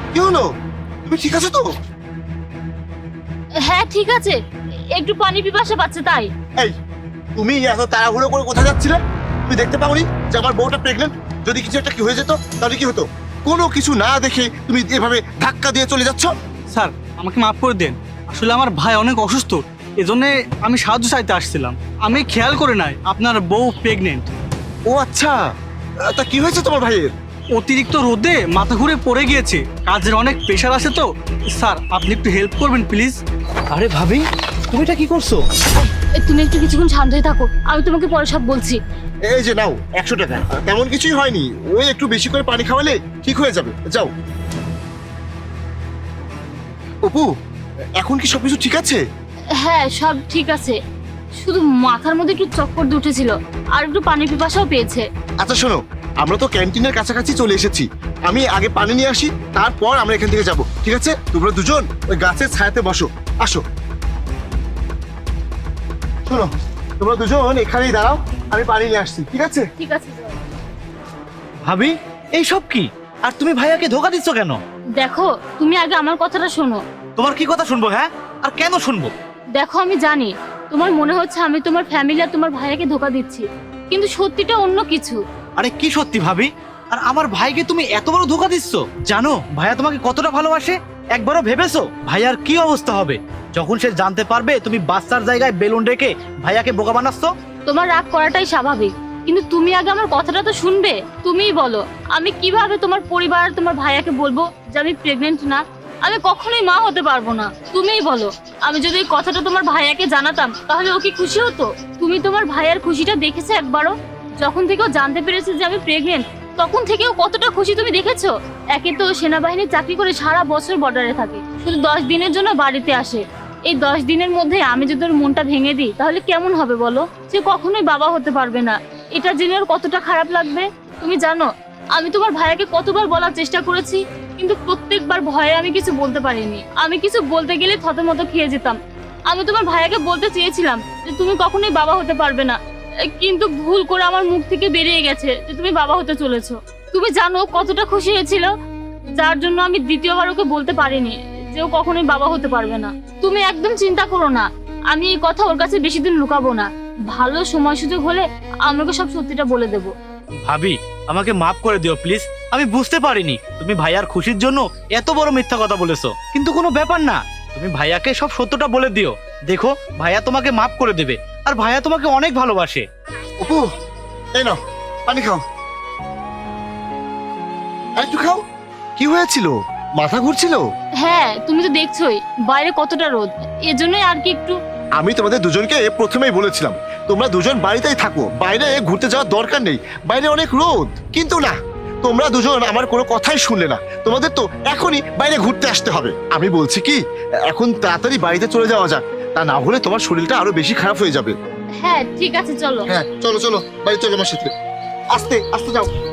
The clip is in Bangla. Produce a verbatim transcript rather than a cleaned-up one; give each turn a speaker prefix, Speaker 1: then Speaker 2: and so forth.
Speaker 1: কি হলো? তুমি ঠিক আছো তো?
Speaker 2: হ্যাঁ ঠিক আছে, একটু পানি পিপাসা পাচ্ছে তাই।
Speaker 1: এই, তুমি এত তাড়াহুড়ো করে কোথায় যাচ্ছিলে? তুমি দেখতে পাওনি যে আমার বউটা প্রেগনেন্ট? যদি কিছু একটা কি হয়ে যেত তাহলে কি হতো? কোনো কিছু না দেখে তুমি এভাবে ধাক্কা দিয়ে চলে যাচ্ছ।
Speaker 3: স্যার আমাকে মাফ করে দেন, আসলে আমার ভাই অনেক অসুস্থ, এজন্য আমি সাহায্য চাইতে আসছিলাম। আমি খেয়াল করে নাই আপনার বউ প্রেগনেন্ট।
Speaker 1: ও আচ্ছা, তা কি হয়েছে তোমার ভাইয়ের?
Speaker 3: অতিরিক্ত রোদে মাথা ঘুরে পড়ে গিয়েছে, কাজের অনেক প্রেশার আছে তো। স্যার আপনি একটু হেল্প করবেন প্লিজ।
Speaker 4: আরে ভাবি, তুমি এটা কি করছো?
Speaker 2: এ, তুমি একটু কিছুক্ষণ শান্ত হয়ে থাকো, আমি তোমাকে পরে সব বলছি।
Speaker 1: এই যে নাও একশো টাকা। তেমন কিছুই হয়নি, ওই একটু বেশি করে পানি খাওয়ালে ঠিক হয়ে যাবে। যাও। অপু, এখন কি সবকিছু ঠিক আছে?
Speaker 2: হ্যাঁ সব ঠিক আছে, শুধু মাথার মধ্যে একটু চক্কর দিয়ে উঠেছিল আর একটু পানি পিপাসাও পেয়েছে।
Speaker 1: আচ্ছা শোনো, আমরা তো ক্যান্টিনের কাছাকাছি চলে এসেছি। আমি আগে পানি নিয়ে আসি, তারপর আমরা এখান থেকে যাব, ঠিক আছে? তোমরা দুজন ওই গাছের ছায়াতে বসো। আসো। শোনো, তোমরা দুজন এখানেই দাঁড়াও, আমি পানি নিয়ে আসছি, ঠিক আছে?
Speaker 2: ঠিক আছে যাও।
Speaker 4: ভাবি, এই সব কি? আর তুমি ভাইয়াকে ধোকা দিচ্ছ কেন?
Speaker 2: দেখো তুমি আগে আমার কথাটা শোনো।
Speaker 4: তোমার কি কথা শুনবো? হ্যাঁ, আর কেন শুনবো?
Speaker 2: দেখো আমি জানি তোমার মনে হচ্ছে আমি তোমার ফ্যামিলি আর তোমার ভাইয়াকে ধোকা দিচ্ছি, কিন্তু সত্যিটা অন্য কিছু।
Speaker 4: আরে কি সত্যি ভাবি? আর আমার ভাইকে তুমি এত বড় ধোকা দিচ্ছ? জানো ভাইয়া তোমাকে কতটা ভালোবাসে? একবারও ভেবেছো ভাইয়ার কি অবস্থা হবে যখন সে জানতে পারবে তুমি বাচ্চার জায়গায় বেলুন রেখে ভাইয়াকে বোকা বানাচ্ছ?
Speaker 2: তোমার রাগ করাটাই স্বাভাবিক, কিন্তু তুমি আগে আমার কথাটা তো শুনবে। তুমিই বলো আমি কিভাবে তোমার পরিবার আর তোমার ভাইয়াকে বলবো যে আমি প্রেগনেন্ট না? আমি কখনোই মা হতে পারবো না। তুমিই বলো, আমি যদি এই কথাটা তোমার ভাইয়াকে জানাতাম তাহলে ও কি খুশি হতো? তুমি তোমার ভাইয়ার খুশিটা দেখেছো একবারও? যখন থেকে ও জানতে পেরেছে যে আমি প্রেগনেন্ট, তখন থেকে ও কতটা খুশি তুমি দেখেছো? একে তো ও সেনাবাহিনীর চাকরি করে সারা বছর বর্ডারে থাকে, শুধু দশ দিনের জন্য বাড়িতে আসে। এই দশ দিনের মধ্যে আমি যদি ওর মনটা ভেঙে দিই তাহলে কেমন হবে বলো? সে কখনোই বাবা হতে পারবে না। এটা জেনে ওর কতটা খারাপ লাগবে তুমি জানো? আমি তোমার ভাইয়াকে কতবার বলার চেষ্টা করেছি, কিন্তু প্রত্যেকবার ভয়ে আমি কিছু বলতে পারিনি। আমি কিছু বলতে গেলে থতমত খেয়ে যেতাম। আমি তোমার ভাইয়াকে বলতে চেয়েছিলাম যে তুমি কখনোই বাবা হতে পারবে না, কিন্তু ভুল করে আমার মুখ থেকে বেরিয়ে গেছে যে তুমি বাবা হতে চলেছো। তুমি জানো কতটা খুশি হয়েছিল, যার জন্য আমি দ্বিতীয়বার ওকে বলতে পারিনি যে ও কখনোই বাবা হতে পারবে না। তুমি একদম চিন্তা করো না, আমি এই কথা ওর কাছে বেশি দিন লুকাবো না। ভালো সময় সুযোগ হলে আমাকে সব সত্যিটা বলে দেবো।
Speaker 4: ভাবি, আমাকে মাফ করে দিও প্লিজ। আমি বুঝতে পারিনি তুমি ভাইয়ার খুশির জন্য এত বড় মিথ্যা কথা বলেছো, কিন্তু কোনো ব্যাপার না। তুমি ভাইয়াকে সব সত্যটা বলে দিও, দেখো ভাইয়া তোমাকে মাফ করে দেবে। আর ভাইয়া তোমাকে অনেক ভালোবাসে।
Speaker 1: অপু, এই নাও পানি খাও। আর একটু খাও। কি হয়েছিল? মাথা ঘুরছিল?
Speaker 2: হ্যাঁ তুমি তো দেখছোই বাইরে কতটা রোদ, এজন্যই আর কি একটু।
Speaker 1: আমি তোমাদের দুজনকে প্রথমেই বলেছিলাম তোমরা দুজন বাড়িতেই থাকো, বাইরে ঘুরতে যাওয়ার দরকার নেই, বাইরে অনেক রোদ। কিন্তু না, তোমরা দুজন আমার কোনো কথাই শুনলে না। তোমাদের তো এখনই বাইরে ঘুরতে আসতে হবে। আমি বলছি কি, এখন তাড়াতাড়ি বাড়িতে চলে যাওয়া যাক, তা না হলে তোমার শরীরটা আরো বেশি খারাপ হয়ে যাবে।
Speaker 2: হ্যাঁ ঠিক আছে চলো।
Speaker 1: হ্যাঁ চলো চলো, বাড়ি চলো আমার সাথে। আস্তে আস্তে যাও।